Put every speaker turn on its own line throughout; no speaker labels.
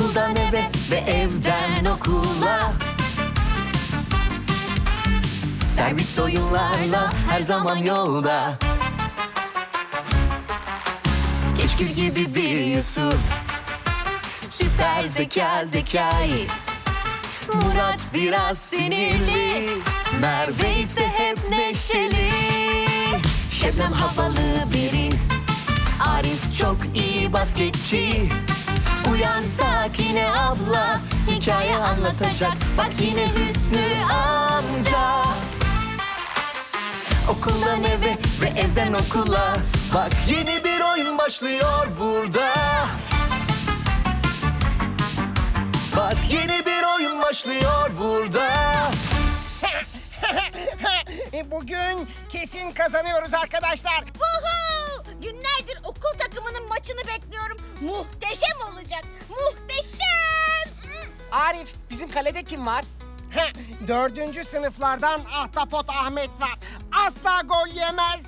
Okuldan eve ve evden okula. Servis oyunlarla her zaman yolda. Keşkül gibi bir Yusuf, süper zeka Zekai. Murat biraz sinirli, Merve ise hep neşeli. Şebnem havalı biri, Arif çok iyi basketçi. Uyansak yine abla, hikaye anlatacak. Bak yine Hüsnü amca. Okuldan eve ve evden okula. Bak yeni bir oyun başlıyor burada. Bak yeni bir oyun başlıyor burada.
Bugün kesin kazanıyoruz arkadaşlar.
Woohoo! Günlerdir okul takımının maçını bekliyorum. Muhteşem olacak. Muhteşem.
Arif, bizim kalede kim var?
4. sınıflardan Ahtapot Ahmet var. Asla gol yemez.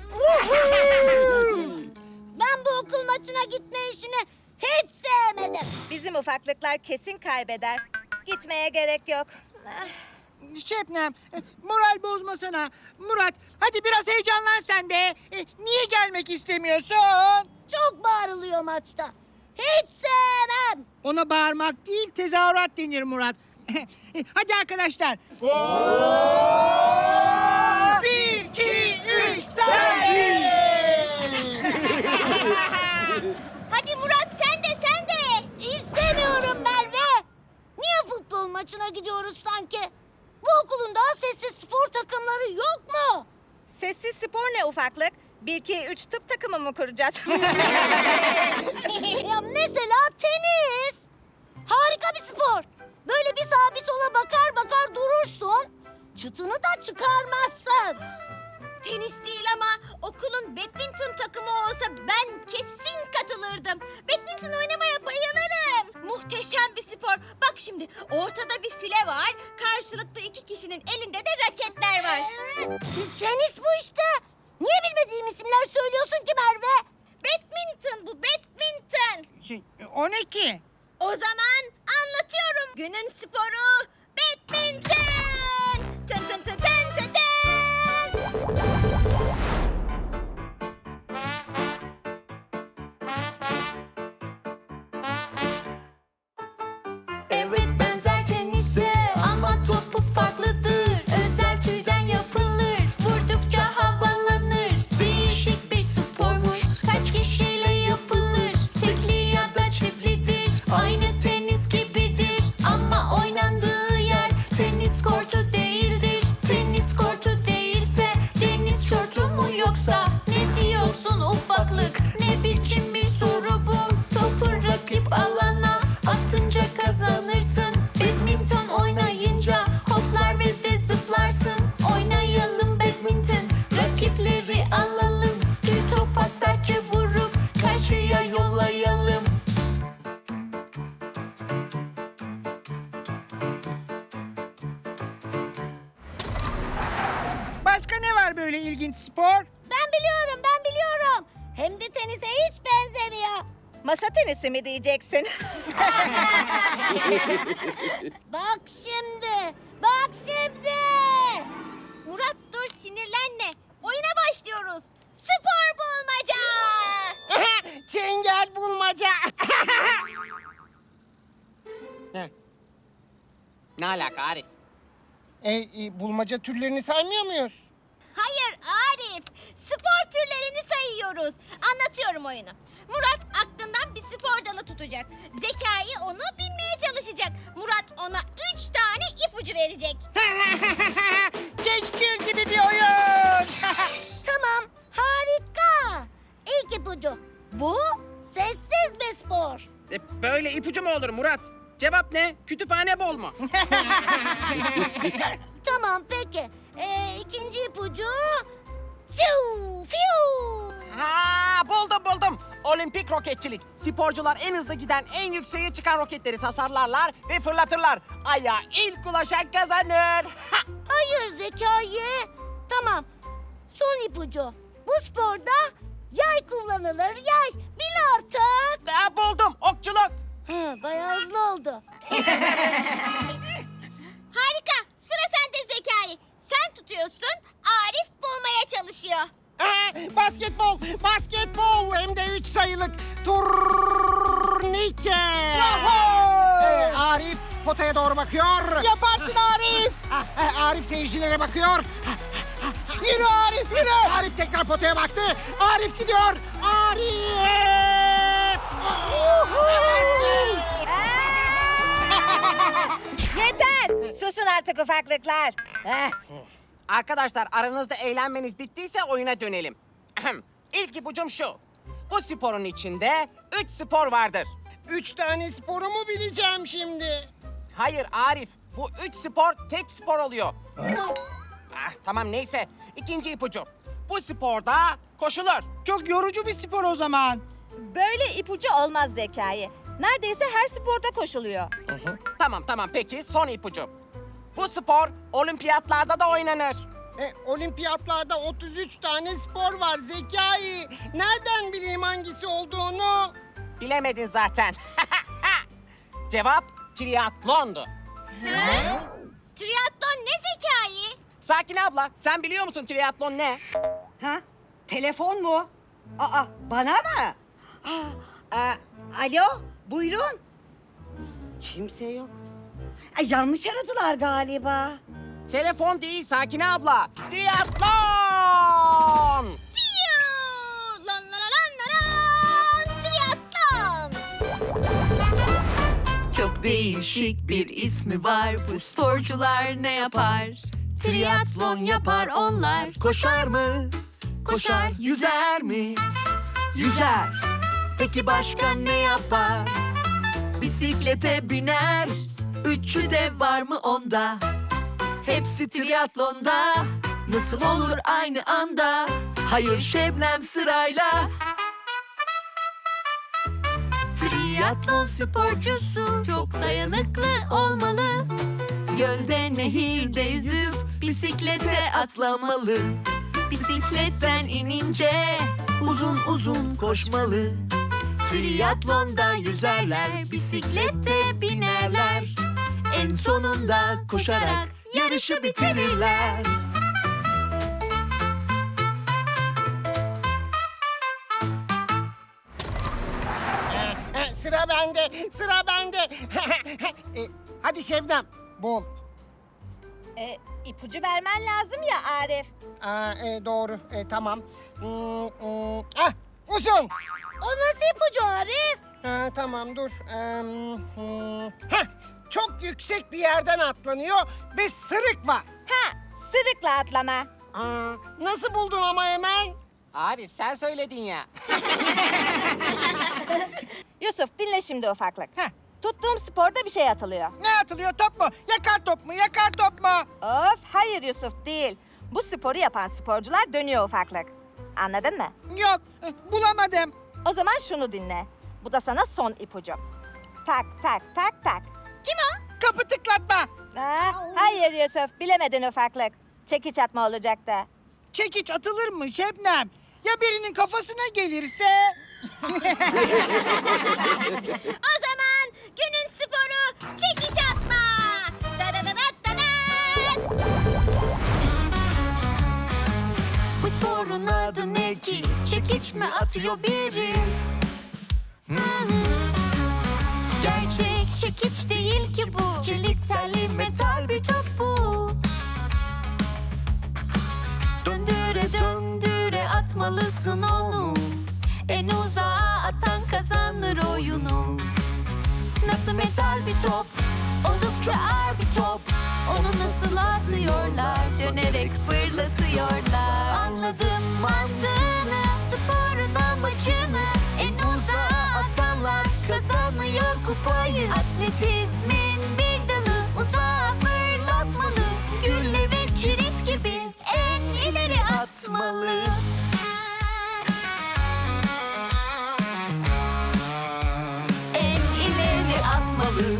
Ben bu okul maçına gitme işini hiç sevmedim.
Bizim ufaklıklar kesin kaybeder. Gitmeye gerek yok.
Şebnem, moral bozmasana. Murat, hadi biraz heyecanlan sen de. Niye gelmek istemiyorsun?
Çok bağırılıyor maçta. Hiç sevmem.
Ona bağırmak değil, tezahürat denir Murat. Hadi arkadaşlar. 1, 2, 3, servis!
Hadi Murat sen de. İstemiyorum Merve. Niye futbol maçına gidiyoruz sanki? Bu okulun daha sessiz spor takımları yok mu?
Sessiz spor ne ufaklık? 1, 2, 3 tıp takımı mı kuracağız?
Ya mesela tenis. Harika bir spor. Böyle bir sağa bir sola bakar durursun. Çıtını da çıkarmazsın. Tenis değil ama okulun badminton takımı olsa ben kesin katılırdım. Badminton oynamaya bayılırım. Muhteşem bir spor. Bak şimdi ortada bir file var. Karşılıklı 2 kişinin elinde de raketler var. Tenis bu işte. Niye bilmediğim isimler söylüyorsun ki Merve? Badminton bu, badminton.
O ne ki?
O zaman anlatıyorum. Günün sporu badminton. Tın tın tın tın tın tın.
Evet benzer tenise ama topu farklıdır. Özel tüyden yapılır, vurdukça havalanır. Değişik bir spormuş, kaç kişiyle yapılır. Tekli ya da çiftlidir, aynı tenis gibidir. Ama oynandığı yer tenis kortu değildir. Tenis kortu değilse deniz şortu mu yoksa? Ne diyorsun ufaklık, ne biçim bir soru bu? Topu rakip alana atınca kazanırsın. Badminton oynayınca hoplar ve de zıplarsın. Oynayalım badminton, rakipleri alalım. Tüy topa sertçe vurup karşıya yollayalım.
Başka ne var böyle ilginç spor?
Ben biliyorum. Hem de tenise hiç benzemiyor.
Masa tenisi mi diyeceksin?
Bak şimdi. Murat dur sinirlenme. Oyuna başlıyoruz. Spor bulmaca.
Çengel bulmaca.
Ne alaka Arif?
Bulmaca türlerini saymıyor muyuz?
Hayır Arif. Spor türlerini sayıyoruz. Anlatıyorum oyunu. Murat aklından bir spor dalı tutacak. Zekai onu bilmeye çalışacak. Murat ona 3 tane ipucu verecek.
Keşkül gibi bir oyun.
Tamam, harika. İlk ipucu. Bu sessiz bir spor.
Böyle ipucu mu olur Murat? Cevap ne? Kütüphane bol mu?
Tamam, peki. İkinci ipucu. Fiu, fiu.
Ha, buldum. Olimpik roketçilik. Sporcular en hızlı giden, en yükseğe çıkan roketleri tasarlarlar ve fırlatırlar. Aya ilk ulaşan kazanır. Ha!
Hayır Zekai. Tamam. Son ipucu. Bu sporda yay kullanılır. Yay. Bil artık.
Buldum. Okçuluk.
Bayağı hızlı oldu. oldu. Harika. Sıra sende Zekai. Sen tutuyorsun, Arif bulmaya çalışıyor.
Basketbol, basketbol hem de 3 sayılık turnike. Arif potaya doğru bakıyor.
Yaparsın Arif.
Arif seyircilere bakıyor.
Yürü Arif yürü.
Arif tekrar potaya baktı. Arif gidiyor. Arif!
Yeter! Susun artık ufaklıklar.
Arkadaşlar aranızda eğlenmeniz bittiyse oyuna dönelim. Ahem. İlk ipucum şu. Bu sporun içinde 3 spor vardır.
3 tane sporu mu bileceğim şimdi?
Hayır Arif, bu 3 spor tek spor oluyor. Tamam neyse. İkinci ipucu. Bu sporda koşulur.
Çok yorucu bir spor o zaman.
Böyle ipucu olmaz Zekai. Neredeyse her sporda koşuluyor.
Tamam peki son ipucu. Bu spor olimpiyatlarda da oynanır.
Olimpiyatlarda 33 tane spor var Zekai. Nereden bileyim hangisi olduğunu?
Bilemedin zaten. Cevap triatlondu.
Triatlon ne Zekai?
Sakin abla, sen biliyor musun triatlon ne?
Ha? Telefon mu? Aa, bana mı? Alo, buyurun. Kimse yok. Ay, yanlış aradılar galiba.
Telefon değil Sakine abla. Triatlon!
Piyu! Lan lan lan lan lan! Triatlon!
Çok değişik bir ismi var. Bu sporcular ne yapar? Triatlon yapar onlar. Koşar mı? Koşar. Yüzer mi? Yüzer. Peki başka ne yapar? Bisiklete biner. Üçü de var mı onda? Hepsi triatlonda. Nasıl olur aynı anda? Hayır Şebnem sırayla. Triatlon sporcusu çok dayanıklı olmalı. Gölde nehirde yüzüp bisiklete atlamalı. Bisikletten inince uzun uzun koşmalı. Triatlonda yüzerler, bisiklette binerler. En sonunda koşarak yarışı bitirirler.
Sıra bende, sıra bende. Hadi Şebnem, bul.
İpucu vermen lazım ya Arif.
Doğru, tamam. Uzun.
O nasıl ipucu Arif?
Tamam, dur. Çok yüksek bir yerden atlanıyor ve sırık var.
Ha, sırıkla atlama.
Nasıl buldun ama hemen?
Arif sen söyledin ya.
Yusuf dinle şimdi ufaklık.
Heh.
Tuttuğum sporda bir şey atılıyor.
Ne atılıyor, top mu? Yakar top mu? Yakar top mu?
Of hayır Yusuf değil. Bu sporu yapan sporcular dönüyor ufaklık. Anladın mı?
Yok, bulamadım.
O zaman şunu dinle. Bu da sana son ipucu. Tak tak tak tak.
Kim o?
Kapı tıklatma.
Hayır Yusuf bilemedin ufaklık. Çekiç atma olacaktı.
Çekiç atılır mı Şebnem? Ya birinin kafasına gelirse?
O zaman günün sporu çekiç atma. Da da da da da da.
Bu sporun adı ne ki? Çekiç mi atıyor biri? Gerçek çekiç değil ki bu. Çelik telli metal bir top bu. Döndüre döndüre atmalısın onu. En uzağa atan kazanır oyunu. Nasıl metal bir top, oldukça ağır bir top. Onu nasıl atıyorlar, dönerek fırlatıyorlar. Anladım mantığını, sporun amacını. En uzağa atanlar kazanıyor kupayı. Atletizmin bir dalı, uzağa fırlatmalı. Gülle ve kilit gibi en ileri atmalı. En ileri atmalı.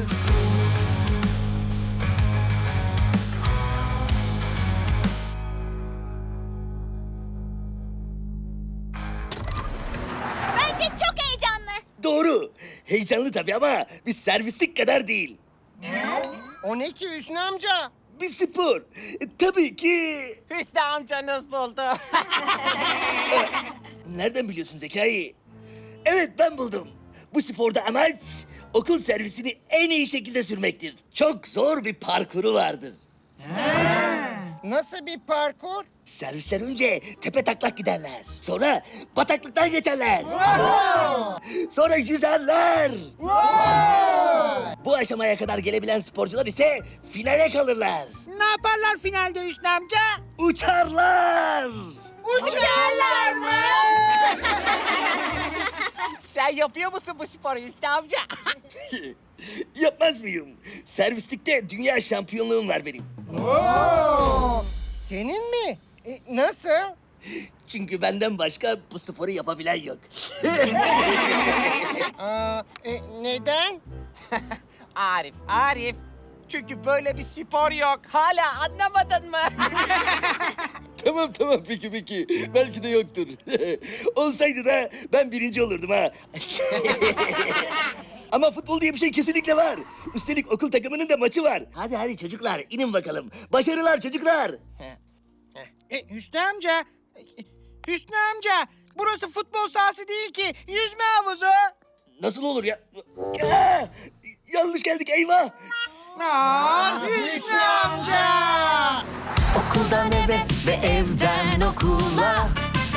Bence çok heyecanlı.
Doğru. Heyecanlı tabii ama biz servislik kadar değil.
O ne ki Hüsnü amca?
Bir spor. Tabii ki.
Hüsnü amcanız buldu.
Nereden biliyorsun Zekai? Evet, ben buldum. Bu sporda amaç okul servisini en iyi şekilde sürmektir. Çok zor bir parkuru vardır.
Nasıl bir parkur?
Servisler önce tepe taklak giderler. Sonra bataklıktan geçerler. Sonra yüzerler. Bu aşamaya kadar gelebilen sporcular ise finale kalırlar.
Ne yaparlar finalde Hüsnü amca?
Uçarlar.
Uçarlar mı?
Sen yapıyor musun bu sporu Hüsnü amca?
Yapmaz mıyım? Servislikte dünya şampiyonluğum var benim.
Senin mi? Nasıl?
Çünkü benden başka bu sporu yapabilen yok.
Neden?
Arif. Çünkü böyle bir spor yok. Hala anlamadın mı?
Tamam peki. Belki de yoktur. Olsaydı da ben birinci olurdum ha. Ama futbol diye bir şey kesinlikle var. Üstelik okul takımının da maçı var. Hadi çocuklar, inin bakalım. Başarılar çocuklar.
Hüsnü amca. Hüsnü amca. Burası futbol sahası değil ki. Yüzme havuzu.
Nasıl olur ya? Aa, yanlış geldik, eyvah.
Hüsnü amca.
Okuldan eve ve evden okula,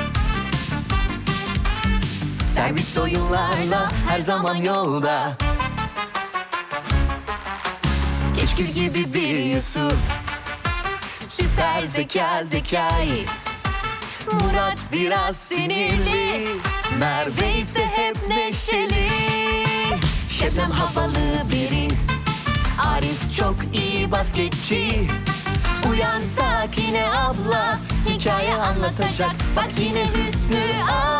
servis oyunlarla her zaman yolda. Keşkül gibi bir Yusuf, süper zeka Zekai. Murat biraz sinirli, Merve ise hep neşeli. Şebnem havalı biri, Arif çok iyi basketçi. Uyan Sakine abla, hikaye anlatacak. Bak yine Hüsnü abla.